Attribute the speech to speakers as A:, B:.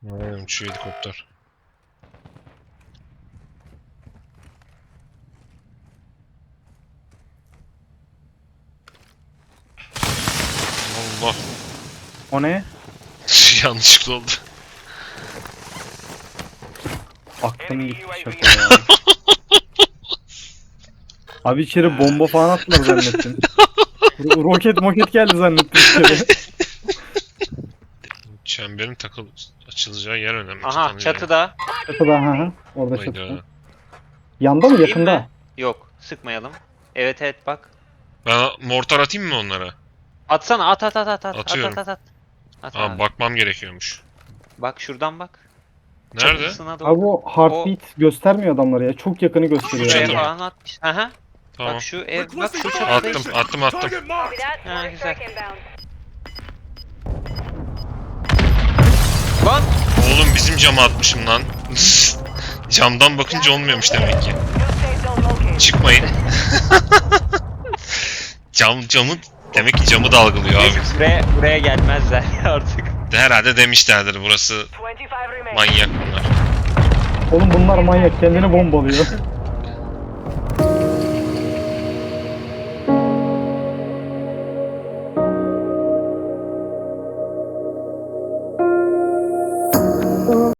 A: Şu helikopter. Allah.
B: O ne?
A: Yanlışlıkla oldu.
B: Aklım gitti şaka ya. Abi içeri bomba falan attılar zannettim. Roket moket geldi zannettim içeri.
A: Çemberin açılacağı yer önemli.
C: Aha çatıda.
B: Çatıda ha. Orada
A: Hayda.
B: çatıda. Yanda mı
C: Değil
B: yakında?
C: mi? Yok, sıkmayalım. Evet evet bak.
A: Ben mortar atayım mı onlara?
C: Atsana at.
A: Atıyorum.
C: At. At
A: Aa,
C: abi.
A: bakmam gerekiyormuş.
C: Bak şuradan bak.
A: Nerede?
C: Çatısına doğru.
B: Abi o heartbeat göstermiyor adamları ya. Çok yakını gösteriyor.
A: Şu
C: Şuraya
A: çatı
B: yani.
A: mı?
C: falan atmış. Aha.
A: Tamam.
C: Bak şu ev, bak şu çatıdayız.
A: Attım.
C: Ha güzel. Lan!
A: Oğlum bizim cama atmışım lan. Camdan bakınca olmuyormuş demek ki. Çıkmayın. Camı demek ki camı dalgalıyor abi.
C: Buraya gelmezler artık.
A: Herhalde demişlerdir burası manyak bunlar.
B: Oğlum bunlar manyak. Kendini bombalıyor.